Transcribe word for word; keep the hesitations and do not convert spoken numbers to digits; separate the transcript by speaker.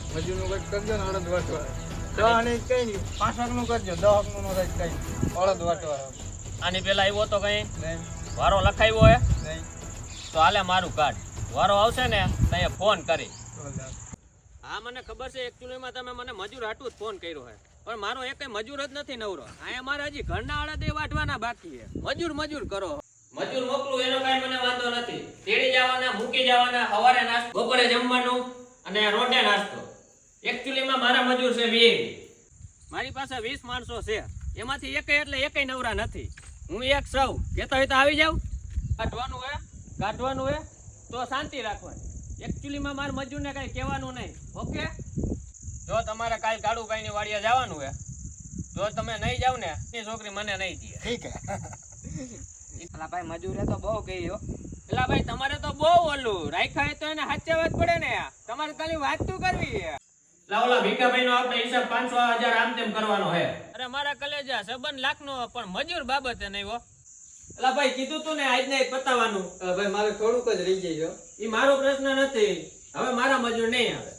Speaker 1: મજૂર નું કઈ કરજો ને અડદ વાટવા દહ ને કઈ નહીં પાંચ હક નું કરજો દહ હક નું નો કઈ અડદ વાટવા
Speaker 2: આની પેલા આવ્યો તો કઈ
Speaker 1: નહીં
Speaker 2: વારો લખાવ્યો હે
Speaker 1: નહીં
Speaker 2: તો હાલે મારું કાર્ડ વારો આવશે ને તો ફોન કરી હા મને ખબર છે એકચ્યુઅલીમાં તમે મને મજૂર હાટું જ ફોન કર્યો છે પણ મારો એક મજૂર જ નથી નવરો અહીંયા મારે હજી ઘરના અડદે વાટવાના બાકી છે મજૂર મજૂર કરો મજૂર મોકલું એનો કઈ મને વાંધો નથી તેડી જવાના મૂકી જવાના સવારે નાસ્તો બપોરે જમવાનું અને રોટે નાસ્તો એકચ્યુઅલીમાં મારા મજૂર છે વીસ મારી પાસે વીસ માણસો છે એમાંથી એક એટલે એકય નવરા નથી હું એક સૌ કેતો હોય તો આવી જાવ કાઢવાનું હે કાઢવાનું હે તો શાંતિ રાખવાની એકચ્યુઅલીમાં મારા મજૂરને કઈ કહેવાનું નહીં ઓકે જો તમારે કાલ કાળુભાઈ ની વાડીએ જવાનું હે જો તમે નહીં જાવ ને એ છોકરી મને નહીં દે
Speaker 1: ઠીક હે
Speaker 3: અલા ભાઈ મજૂરે તો બહુ કહ્યો
Speaker 2: એલા ભાઈ તમારે તો બહુ ઓલું રાખ્યા તો એને સાચવવા જ પડે ને તમારે ખાલી વાત તો કરવી છે લાવલા ભીખાભાઈ નો આપણે હિસાબ પાંચસો હજાર આમ તેમ કરવાનો હે અરે મારા કલેજા સંબંધ લાખ નો પણ મજૂર બાબતે નહીં હો એલા ભાઈ કીધું તું ને આજ ને પતાવવાનું
Speaker 1: ભાઈ મારે થોડુંક જ રહી જાય
Speaker 2: ઈ મારો પ્રશ્ન નથી હવે મારા મજૂર નહીં આવે